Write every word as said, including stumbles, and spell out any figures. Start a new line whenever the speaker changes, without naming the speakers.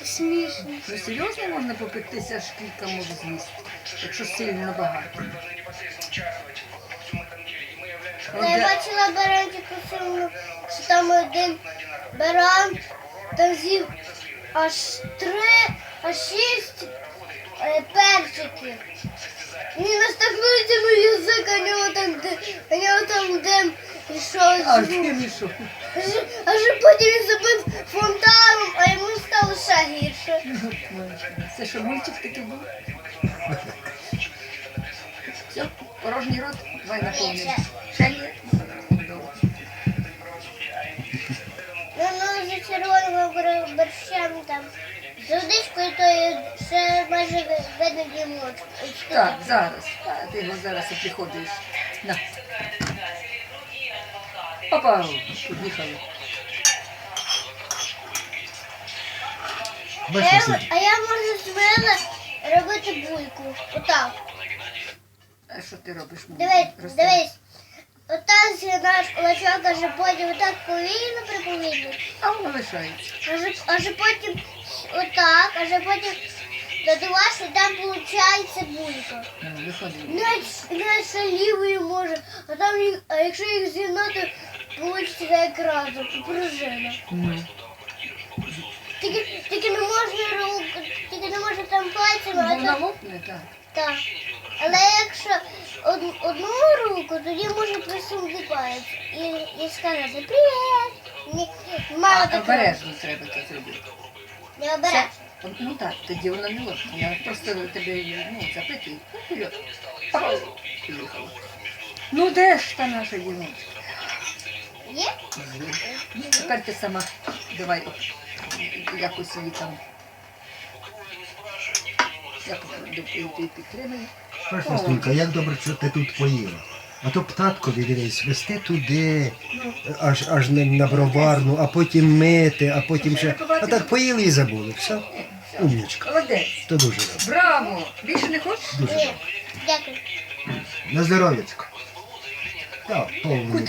смішно.
Ну серйозно можна попектися, аж кілька може з'їсти, якщо сильно багато.
Ну, я бачила баранчику сумну, що там один баран, там з'їв аж три, аж шість е, перчиків. Він настакнувся на язик, а нього там, ди- а нього там дим пішов.
А
з рук.
ти мішов.
Аж, аж потім він забив фонтаном, а йому стало ще гірше.
Це що, мультик такий був? Все, порожній рот, давай наповнимо. Ще є?
Ну, ну, за червоним борщем там. З водичкою, то є ще майже видно дімочку.
Так, зараз. А, ти його зараз і приходиш. На. Опа, поїхали.
А
Бачиш,
я,
Василь?
а я можу з мене робити бульку. Отак.
А що ти робиш?
Дивись,
Розкажи.
дивись. Отак згинаєш кулачок, аж потім отак повільно приповільно.
А воно лишається.
Аж, аж потім отак, аж потім додуваєш, і там виходить булька.
Ну, виходить.
Навіть, навіть ще лівою може, а там їх, а якщо їх з'єднати, вийде як разом, пружина.
Ну.
Тільки, тільки не можна руку, тільки не можна там пальцями, а
Вона
там
лопне, так.
так. Але якщо од, одну руку, тоді можна присунути палець і, і сказати «Привіт!» Ні, мало
А
такого.
обережно треба це зробити.
Не обережно.
Це- Ну так, тоді вона не лопне. Я просто тебе ну, запитую. Ну, вперед. Опа, поїхала. Ну де ж та наша дівчинка?
Є?
Ну, тепер ти сама давай якось її там. Я підтримую.
Бачиш, Настунька, як добре, що ти тут поїла. А то птаткові, дивись, вести туди, аж, аж на, на броварну, а потім мити, а потім ще. А так поїли і забули. Все? Умнічка.
Молодець.
То дуже добре.
Браво! Більше не хочеш?
Дуже
Ні.
добре.
Дякую.
На здоров'ячко. Так, повний.